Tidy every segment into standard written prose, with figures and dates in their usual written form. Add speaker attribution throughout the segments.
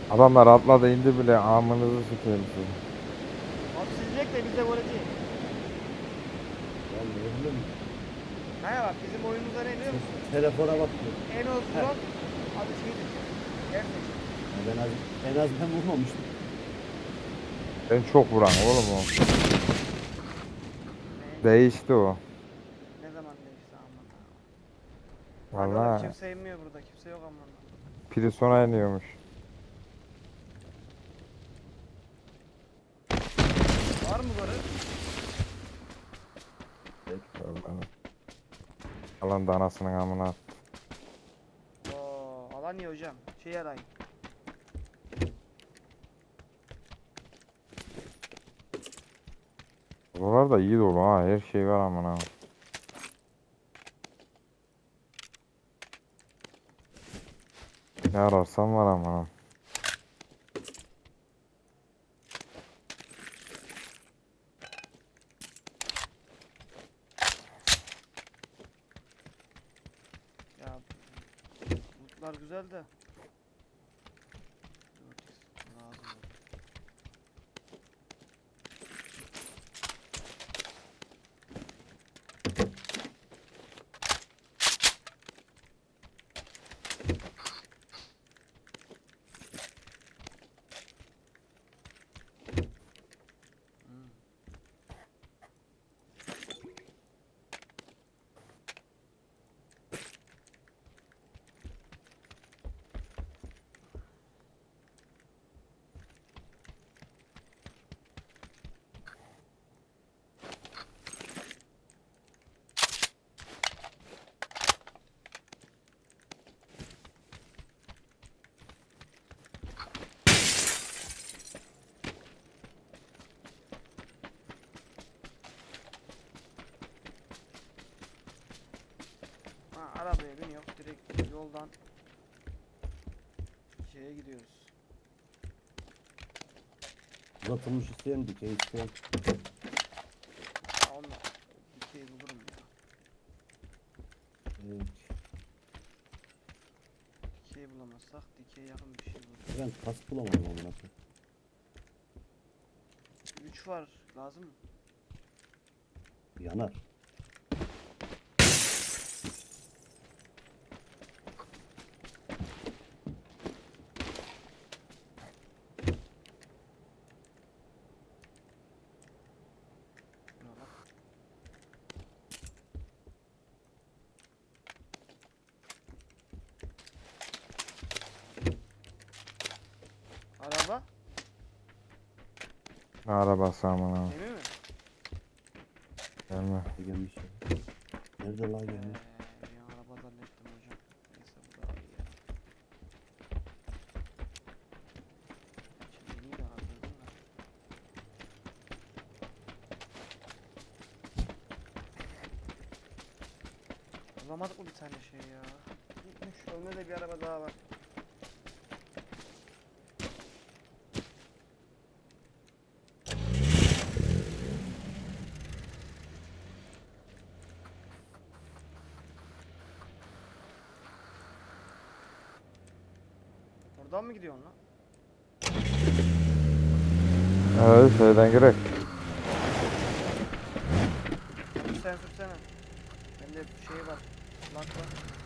Speaker 1: Adamlar atladı indi bile amınızı sikeyim sizi.
Speaker 2: Abi silecek de biz de gol edeceğiz.
Speaker 3: Ya ne bileyim.
Speaker 2: He bak bizim oyunumuzda ne biliyor musun?
Speaker 3: Telefona bakıyor.
Speaker 2: En az
Speaker 3: Heh.
Speaker 2: vuran adı şeydir. Gerçekten.
Speaker 3: Ya en az ben vurmamıştım.
Speaker 1: Ben çok vuran oğlum o. Değişti o.
Speaker 2: Ne zaman değişti aman. Agalar
Speaker 1: Vallahi
Speaker 2: kimse inmiyor burada. Kimse yok aman.
Speaker 1: Prison'a iniyormuş.
Speaker 2: Var mı barı?
Speaker 1: Vallahi. Alan da anasının amına.
Speaker 2: Oo, alan iyi hocam. Şey arayın.
Speaker 1: Buralar da iyi dolu ha. Her şey var amına. Ne ararsan var amına.
Speaker 2: Ya lootlar güzel de. Lazım oldu. Hmm. Ha, arabaya bin yok. Direkt yoldan şeye gidiyoruz.
Speaker 3: Uzatılmış isteyen dikey isteyen.
Speaker 2: Ya onunla dikeyi bulurum ya.
Speaker 3: Evet.
Speaker 2: Dikeyi bulamazsak dikeye yakın bir şey buluruz.
Speaker 3: Ben kask bulamadım amına koyayım.
Speaker 2: 3 var. Lazım mı?
Speaker 3: Yanar.
Speaker 2: Ne lan? Araba?
Speaker 1: Ne arabası amına.
Speaker 2: Gemi mi?
Speaker 1: Gelme.
Speaker 3: Gelmiş ya. Nerede lan gelmiş?
Speaker 2: Bir araba zannettim hocam. Neyse bu daha iyi ya. Şimdi iyi de harcadım da. Bulamadık mı bir tane şey ya? Gitmiş. Önde de bir araba daha var. Oradan mı gidiyorsun lan?
Speaker 1: Evet şeyden girek.
Speaker 2: Sen sürsene. Bende şey var. Lak var.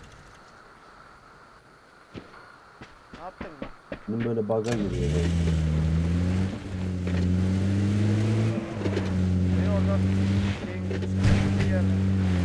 Speaker 2: Ne yaptın lan?
Speaker 3: Benim böyle bug'a giriyor. Böyle.
Speaker 2: Beni oradan şeyin bir yerde.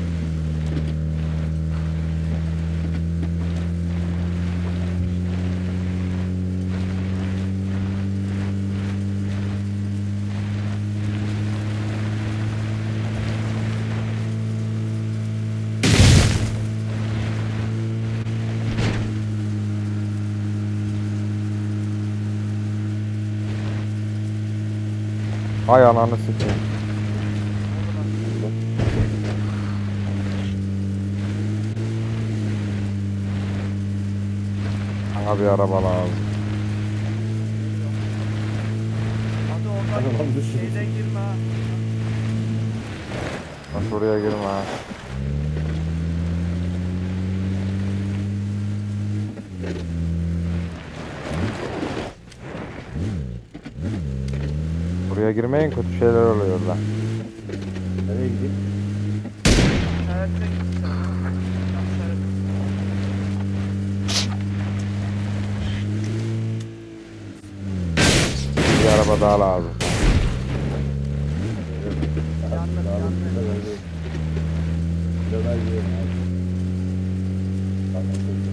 Speaker 1: Hay ananı sikeyim.
Speaker 2: Oradan.
Speaker 1: Bana bir araba lazım.
Speaker 2: Hadi oradan
Speaker 3: Arabam düşürdü.
Speaker 2: şeyden girme ha.
Speaker 1: Bak oraya girme ha. Oraya girmeyin, kötü şeyler oluyor orada.
Speaker 3: Nereye gideyim?
Speaker 2: İşaretine gitsin. Tam işaret.
Speaker 1: Bir araba daha lazım.
Speaker 2: Yandım, yandım.
Speaker 3: Kilolar yiyorum abi. Tamam, peki.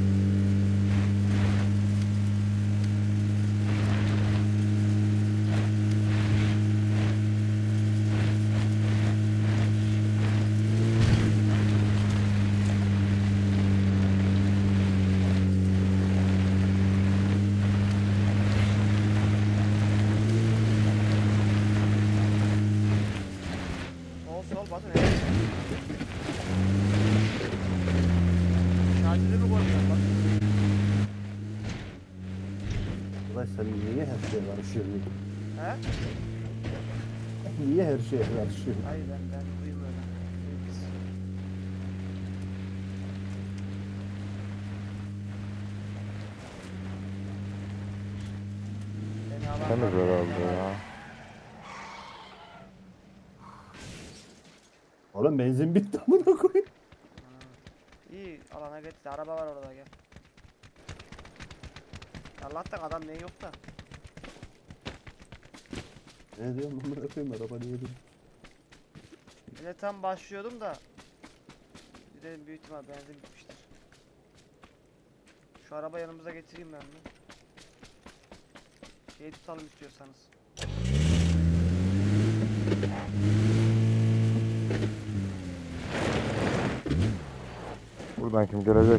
Speaker 2: Sol sol batın. Şarjını mı koymuyorsun bak.
Speaker 3: Ulan sen niye her şeye karışıyorsun?
Speaker 2: He?
Speaker 3: Niye her şeye karışıyorsun?
Speaker 2: Hayır ben duyayım öyle. Biz. Beni alan
Speaker 1: Temiz
Speaker 2: var,
Speaker 1: herhalde
Speaker 2: beni
Speaker 1: ya.
Speaker 3: Oğlum benzin bitti amına koyayım.
Speaker 2: İyi alana getir. Araba var orada gel. Allah'tan adam ne yok da.
Speaker 3: Ne diyorsun amına koyayım, araba niye dur?
Speaker 2: Bir de tam başlıyordum da. Bir de büyük ihtimal benzin bitmiştir. Şu araba yanımıza getireyim ben mi? Şey tutalım istiyorsanız.
Speaker 1: Buradan kim gelecek?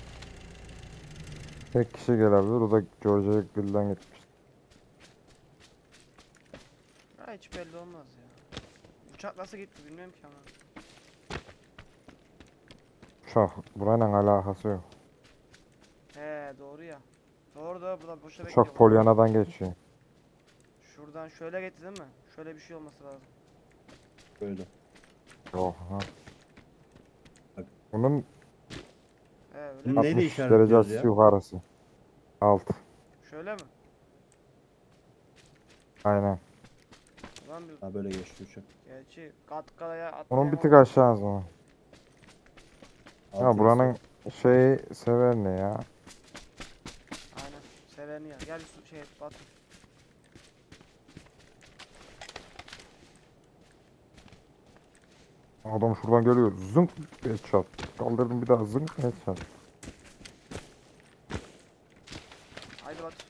Speaker 1: Tek kişi gelebilir. O da George'ya Gül'den gitmiş.
Speaker 2: Ha hiç belli olmaz ya. Uçak nasıl gitti bilmiyorum ki ama.
Speaker 1: Uçak burayla alakası yok.
Speaker 2: He doğru ya. Doğru doğru buradan boşa
Speaker 1: Uçak
Speaker 2: bekliyorum.
Speaker 1: Polyana'dan geçiyor.
Speaker 2: Şuradan şöyle getir değil mi? Şöyle bir şey olması lazım.
Speaker 3: Böyle.
Speaker 1: Yok ha.
Speaker 3: Bak.
Speaker 1: Bunun
Speaker 2: He öyle.
Speaker 3: Bunu neyle
Speaker 1: 60
Speaker 3: işaretliyoruz
Speaker 1: derecesi
Speaker 3: ya?
Speaker 1: yukarısı. Alt.
Speaker 2: Şöyle mi?
Speaker 1: Aynen.
Speaker 2: Ulan bir
Speaker 3: Ha böyle geçti uçak.
Speaker 2: gerçi Katkala'ya
Speaker 1: Onun bir tık
Speaker 2: atlayamam.
Speaker 1: aşağısı mı? Ya
Speaker 3: Altı
Speaker 1: buranın şeyi sever ne ya?
Speaker 2: Aynen. Seveni ya. Gel şu şey Batu.
Speaker 1: Adam şuradan geliyor. Zınk headshot. Kaldırdım bir daha zınk headshot.
Speaker 2: Haydi Batu.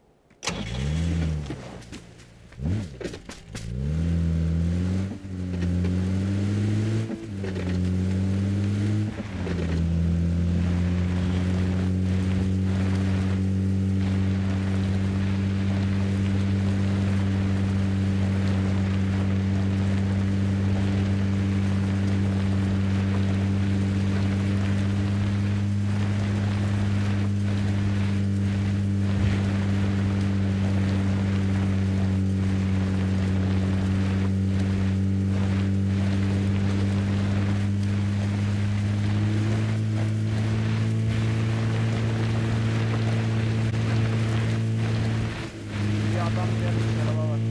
Speaker 2: Bir adam gelmiş araba var.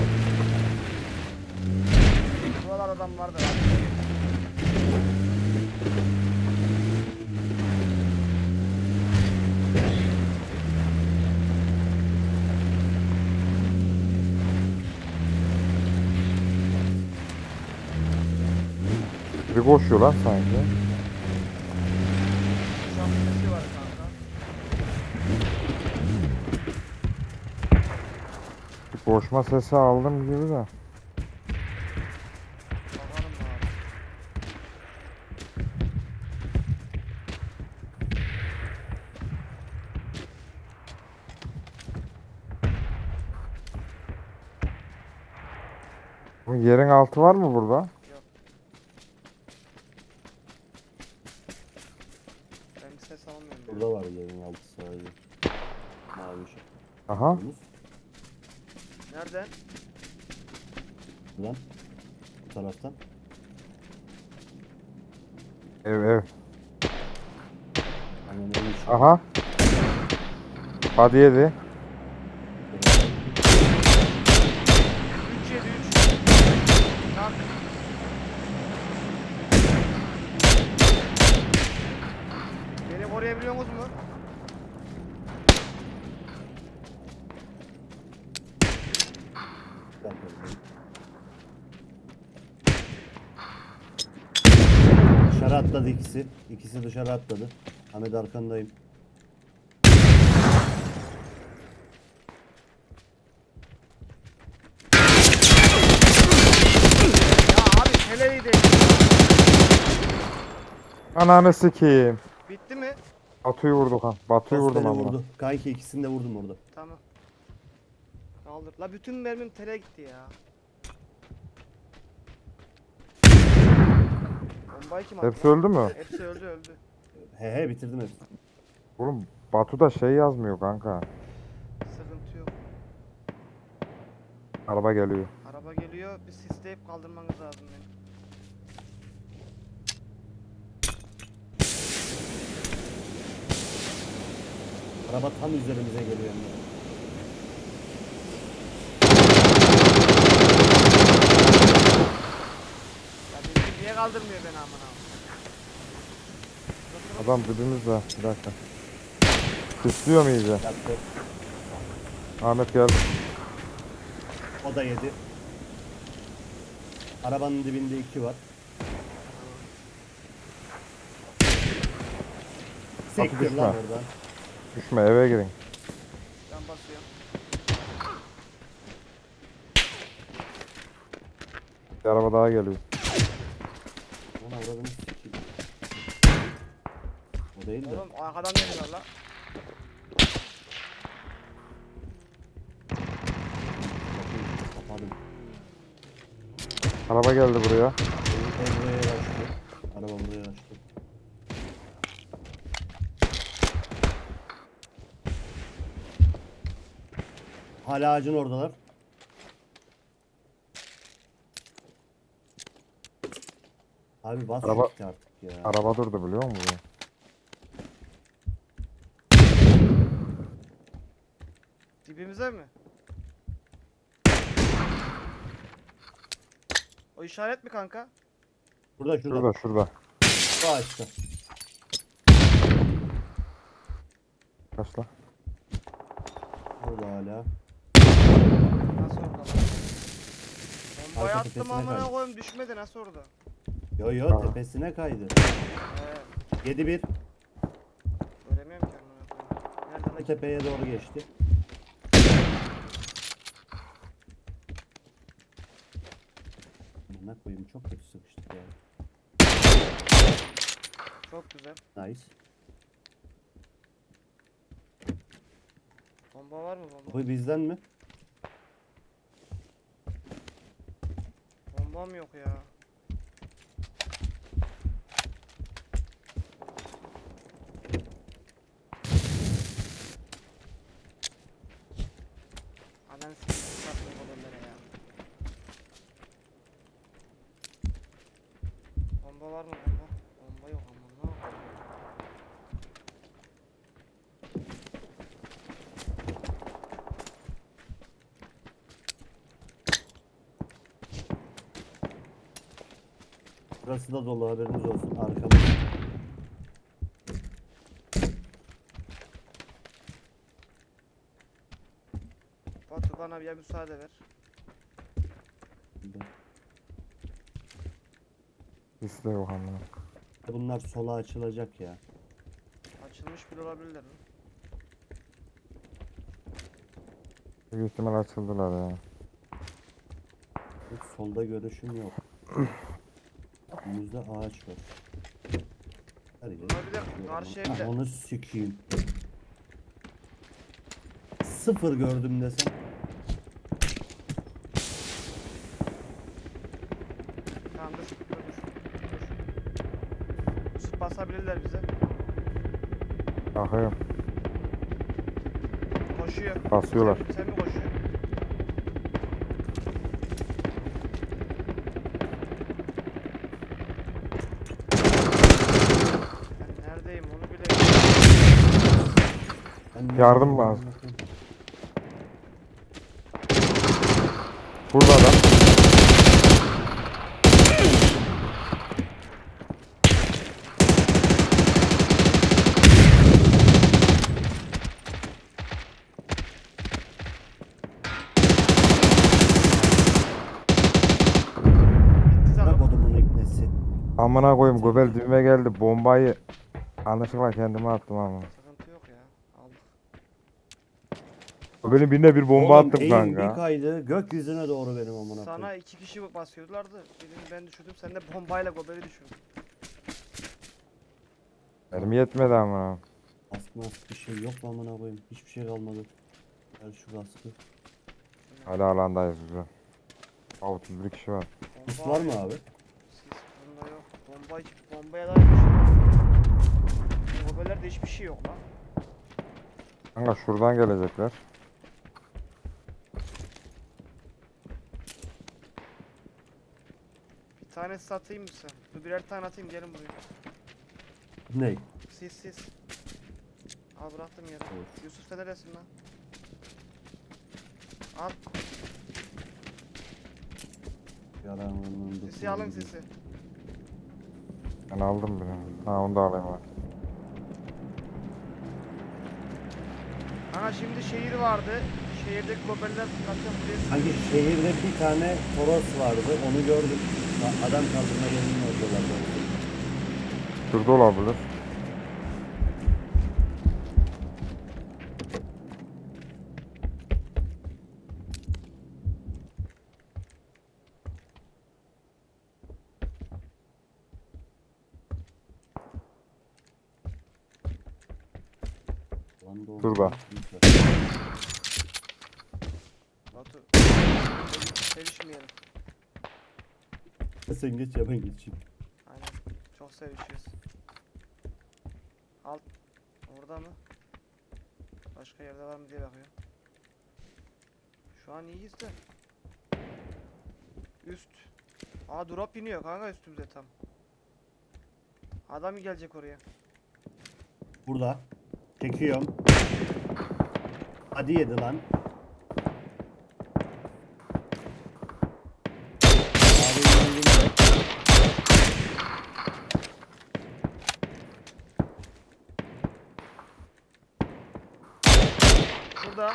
Speaker 2: Buralar adam vardır abi.
Speaker 1: Biri koşuyor lan sanki.
Speaker 2: Uçak sesi var kanka.
Speaker 1: Bir koşma sesi aldım gibi de.
Speaker 2: Bakalım abi.
Speaker 1: Bu yerin altı var mı burada?
Speaker 2: Yok. Ben ses almıyorum. ya.
Speaker 3: Burada var yerin altı sadece. Mavi ışık.
Speaker 1: Aha.
Speaker 3: Yunus,
Speaker 2: Nereden?
Speaker 3: buradan. Bu taraftan.
Speaker 1: Ev.
Speaker 3: Hemen evin içi.
Speaker 1: Aha. Hadi yedi.
Speaker 2: 3 yedi. koruyabiliyorsunuz mu?
Speaker 3: Ben korudum. Dışarı atladı ikisi. İkisi dışarı atladı. Ahmet arkandayım.
Speaker 2: Ya abi teleyi de.
Speaker 1: Ananı sikeyim.
Speaker 2: Bitti mi?
Speaker 1: Batu'yu vurduk ha. Batu'yu
Speaker 3: Dost
Speaker 1: vurdum
Speaker 3: beni
Speaker 1: ama.
Speaker 3: vurdu. Kanki ikisini de vurdum orada.
Speaker 2: Tamam. Kaldır. La bütün mermim tele gitti ya. Bombayı kim attı?
Speaker 1: Hepsi
Speaker 2: lan?
Speaker 1: öldü mü?
Speaker 2: Hepsi öldü öldü.
Speaker 3: He bitirdim hepsini.
Speaker 1: Oğlum Batu'da şey yazmıyor kanka.
Speaker 2: Sıkıntı yok.
Speaker 1: Araba geliyor.
Speaker 2: Araba geliyor. Bir sisleyip kaldırmanız lazım beni.
Speaker 3: Araba tam üzerimize geliyor. Yani.
Speaker 2: Ya beni niye kaldırmıyor beni amına?
Speaker 1: Adam dibimizde. Bir dakika. Sisliyor mu iyice?
Speaker 3: Yaktı.
Speaker 1: Ahmet geldi.
Speaker 3: O da yedi. Arabanın dibinde iki var. Sektir
Speaker 1: düşme.
Speaker 3: lan oradan.
Speaker 1: Düşme eve girin.
Speaker 2: Ben basıyorum.
Speaker 1: Bir araba daha geliyor.
Speaker 3: Ona uğradığını sikeyim. O değil de.
Speaker 2: Oğlum arkadan geliyorlar la.
Speaker 3: Kapadım.
Speaker 1: Araba geldi buraya.
Speaker 3: Ev buraya açtı. Araba buraya açtı. Hala ağacın oradalar. Abi bas
Speaker 1: Araba-
Speaker 3: gitti artık ya.
Speaker 1: Araba durdu biliyor musun?
Speaker 2: Dibimize mi? O işaret mi kanka?
Speaker 3: Şurada.
Speaker 1: Şurada şurada.
Speaker 3: Bu ağaçta.
Speaker 1: Kaç lan?
Speaker 3: Burada hala.
Speaker 2: Nasıl orada lan? Bombayı
Speaker 3: Arka
Speaker 2: attım
Speaker 3: tepesine
Speaker 2: amına
Speaker 3: kaydı.
Speaker 2: koyayım düşmedi nasıl orada?
Speaker 3: Yo
Speaker 1: Aa.
Speaker 3: tepesine kaydı.
Speaker 2: He
Speaker 3: 7-1.
Speaker 2: göremiyorum ki amına koyayım. Nerede
Speaker 3: Bu
Speaker 2: lan?
Speaker 3: tepeye doğru geçti. Ne koyayım çok kötü sıkıştık ya.
Speaker 2: Çok güzel.
Speaker 3: Nice.
Speaker 2: Bomba var mı bomba?
Speaker 3: Bu bizden mi?
Speaker 2: Bombam yok ya. Ananı sikeyim sattım modelleri ya. Bomba var mı bomba? Bomba yok amına.
Speaker 3: Burası da dolu haberiniz olsun. Arkamız.
Speaker 2: Batu bana bir müsaade ver.
Speaker 1: Hisle yok amına.
Speaker 3: Bunlar sola açılacak ya.
Speaker 2: Açılmış bile olabilirler mi?
Speaker 1: Büyük ihtimal açıldılar ya.
Speaker 3: Hiç solda görüşüm yok. Önümüzde ağaç var. Her yer.
Speaker 2: Bunlar bir de karşı
Speaker 3: Ah,
Speaker 2: evde.
Speaker 3: onu sikeyim. Sıfır gördüm desem.
Speaker 2: Tamam dur. Yusuf basabilirler bize.
Speaker 1: Bakıyorum.
Speaker 2: Koşuyor.
Speaker 1: Basıyorlar.
Speaker 2: Sen mi koşuyorsun? Ben neredeyim onu bile.
Speaker 3: Ben
Speaker 1: Yardım lazım. Burada da. Amına koyayım göbel dibime geldi. Bombayı yanlışlıkla kendime attım ama.
Speaker 2: Sıkıntı yok ya. Aldık.
Speaker 1: Göbelin birine bir bomba
Speaker 3: Oğlum
Speaker 1: attım
Speaker 3: eğim bir
Speaker 1: kanka.
Speaker 3: kaydı gökyüzüne doğru benim amına koyayım.
Speaker 2: Sana 2 kişi basıyorlardı. Birini ben düşürdüm. Sen de bombayla gobeli düşürdün.
Speaker 1: Benim yetmedi ama.
Speaker 3: Ask mask bir şey yok mu amına koyayım? Hiçbir şey kalmadı. Ver şu kaskı.
Speaker 1: Hala alandayız güzel. 31 kişi var.
Speaker 3: Sis var mı abi?
Speaker 2: Sis bunda yok. Bombaya dair bir şey yok. Gobelerde hiçbir şey yok lan.
Speaker 1: Kanka şuradan gelecekler.
Speaker 2: Bir tane satayım mı sen? Dur birer tane atayım gelin buraya.
Speaker 3: Ney?
Speaker 2: Sis. Al bıraktım yere.
Speaker 3: Olur.
Speaker 2: Yusuf sen neresin lan? Al
Speaker 3: Yaranın
Speaker 2: sisi alın sisi.
Speaker 1: Ben aldım birini. Ha onu da alayım abi.
Speaker 2: Aha şimdi şehir vardı. Şehirdeki gobeller kaçacak buraya sıkıyor.
Speaker 3: Hangi şehirde bir tane Toros vardı onu gördüm. Adam kaldırma yerinin oradalar.
Speaker 1: Şurada olabilir. Şurada.
Speaker 2: Batu. Sevişmeyelim.
Speaker 3: Sen geç ya ben geçeyim.
Speaker 2: Aynen. Çok sevişiyoruz. Alt. Orada mı? Başka yerde var mı diye bakıyorum. Şu an iyiyiz de. Üst. Aa drop iniyor kanka üstümüze tam. Adam gelecek oraya.
Speaker 3: Burada. Çekiyorum. Hadi yedi lan. Abinin önünde.
Speaker 2: Burada.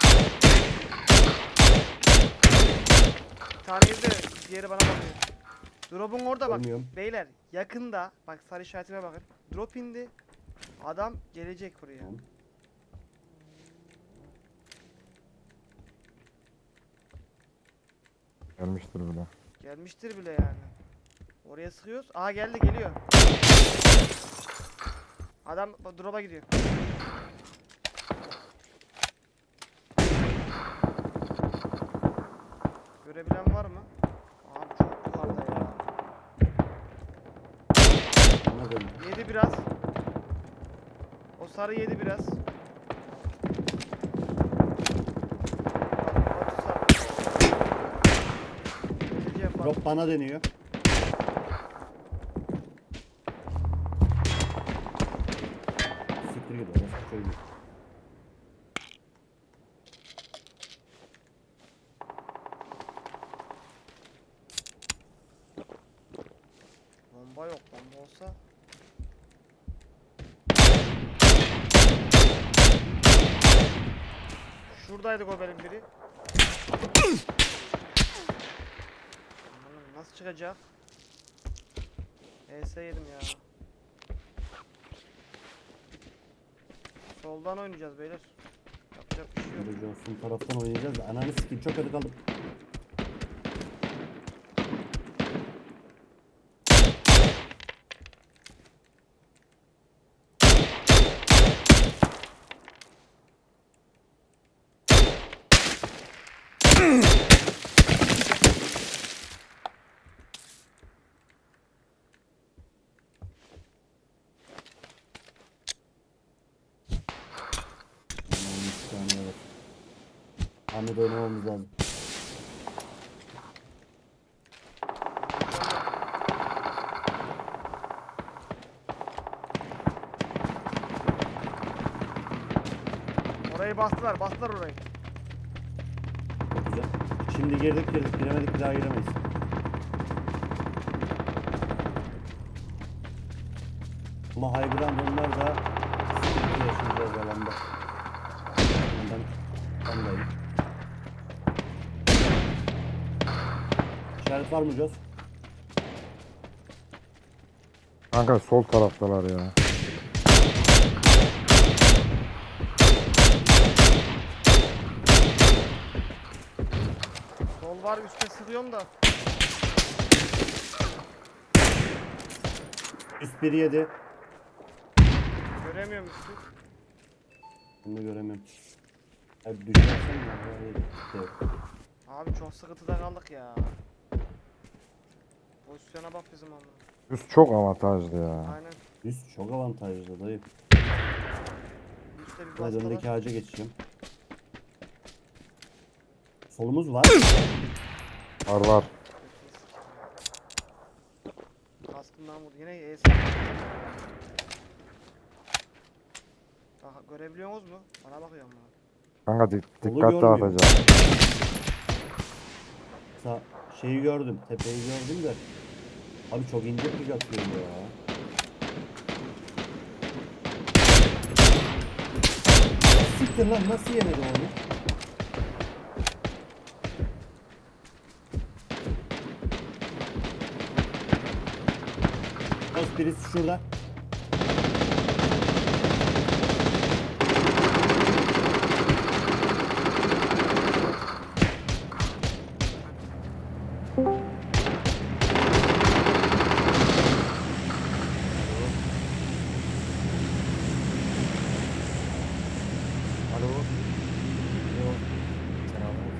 Speaker 2: Bir tane de diğeri bana bakıyor. Drop'un orada bak.
Speaker 3: Görmüyorum.
Speaker 2: Beyler yakında bak sarı işaretime bakın. Drop indi. Adam gelecek oraya.
Speaker 3: Tamam.
Speaker 1: Gelmiştir bile.
Speaker 2: Gelmiştir bile yani. Oraya sıkıyoruz. Aa geldi geliyor. Adam drop'a gidiyor. Görebilen var mı? Abi çok yukarıda ya.
Speaker 3: Bana dön.
Speaker 2: Yedi biraz. O sarı yedi biraz. Batu sarı. Geleceğim bak.
Speaker 3: Drop bana deniyor. Siktir git orası çocuğu.
Speaker 2: Bomba yok. Bomba olsa. Şuradaydı goberin biri. Aman, nasıl çıkacak? ES yedim ya. Soldan oynayacağız beyler. Yapacak bir şey yok.
Speaker 3: Böyle Johnson taraftan oynayacağız da ananı sikeyim çok kötü kaldım. Aman, bir saniye var. Ahmet oynamamız lazım.
Speaker 2: Orayı bastılar, bastılar orayı.
Speaker 3: Çok güzel. Şimdi girdik giremedik bir daha giremeyiz. Ama high ground onlar da sıkıntı yaşayacağız alanda. Ben andayım. İşaret var mı Jos?
Speaker 1: Kanka sol taraftalar ya.
Speaker 2: Sol var, üstte sıkıyorum da.
Speaker 3: Üst biri yedi.
Speaker 2: Göremiyorum üstü.
Speaker 3: Bunu da göremiyorum. Abi düşersen ya. Böyle.
Speaker 2: Abi çok sıkıntıda kaldık ya. Pozisyona bak bizim amına.
Speaker 1: Üst çok avantajlı ya.
Speaker 2: Aynen.
Speaker 3: Üst çok avantajlı dayı.
Speaker 2: Üstte bir
Speaker 3: Ben
Speaker 2: basta
Speaker 3: öndeki
Speaker 2: var.
Speaker 3: ağaca geçeceğim. Solumuz var.
Speaker 1: Var var.
Speaker 2: Kaskından vurdu. Yine ES. Bak görebiliyorsunuz mu? Bana bakıyorum bunu.
Speaker 1: Kanka
Speaker 3: Solu
Speaker 1: dikkat
Speaker 3: görmüyorum.
Speaker 1: dağıtacağım.
Speaker 3: Şeyi gördüm. Tepeyi gördüm de. Abi çok ince pik atıyor ya. Siktir lan nasıl yemedi onu? Dost birisi şurada.
Speaker 4: Alo. Alo. Selamlar.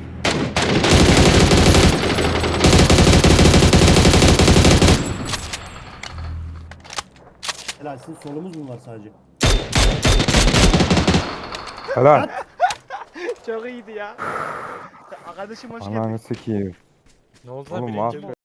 Speaker 3: Helalsin solumuz mu var sadece?
Speaker 1: Helal.
Speaker 2: Çok iyiydi ya. Arkadaşım hoş geldin.
Speaker 1: Ananı sikeyim.
Speaker 4: Ne oldu lan
Speaker 1: Oğlum
Speaker 4: birinci
Speaker 1: mahvet-
Speaker 4: mi